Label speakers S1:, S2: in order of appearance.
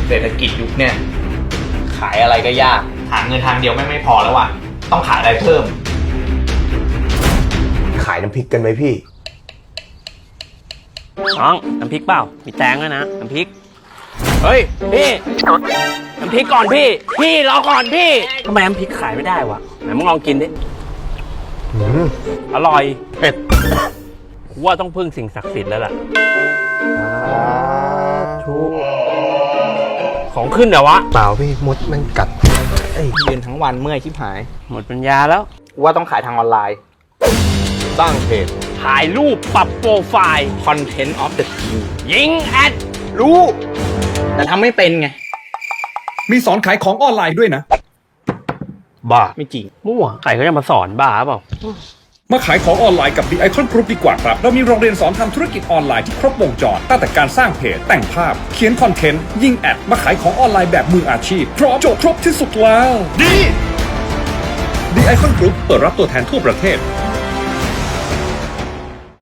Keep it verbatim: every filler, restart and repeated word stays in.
S1: เศรษฐกิจยุคเนี่ยขายอะไรก็ยากหาเงินทางเดียวไม่ไม่พอแล้วว่ะต้องขายอะไรเพิ่ม
S2: ขายน้ำพริกกันไหมพี่
S3: น้องน้ำพริกเปล่ามีแตงด้วยนะน้ำพริกเฮ้ยพี่น้ำพริกก่อนพี่พี่รอก่อนพี่ทำไมน้ำพริกขายไม่ได้วะไหนมึงลองกินดิอร่อยเผ็ดกูว่าต้องพึ่งสิ่งศักดิ์สิทธิ์แล้วล่ะของขึ้นเหรอวะ
S2: เปล่าพี่มดมันกัด
S1: ยืนทั้งวันเมื่อยชิบหาย
S3: หมดปัญญาแล้ว
S1: ว่าต้องขายทางออนไลน์
S2: ตั้งเพจ
S3: ถ่ายรูปปรับโปรไฟล์
S1: Content of the Team
S3: ยิงแอด
S1: รู้แต่ทำไม่เป็นไง
S4: มีสอนขายของออนไลน์ด้วยนะ
S3: บ้า
S1: ไม่จริง
S3: มั่วใครเขาจะมาสอนบ้าเปล่า
S4: มาขายของออนไลน์กับ The Icon Group ดีกว่าครับเรามีโรงเรียนสอนทำธุรกิจออนไลน์ที่ครบวงจรตั้งแต่การสร้างเพจแต่งภาพเขียนคอนเทนต์ยิงแอดมาขายของออนไลน์แบบมืออาชีพพร้อมจบครบที่สุดแล้วดี The Icon Group เปิดรับตัวแทนทั่วประเทศ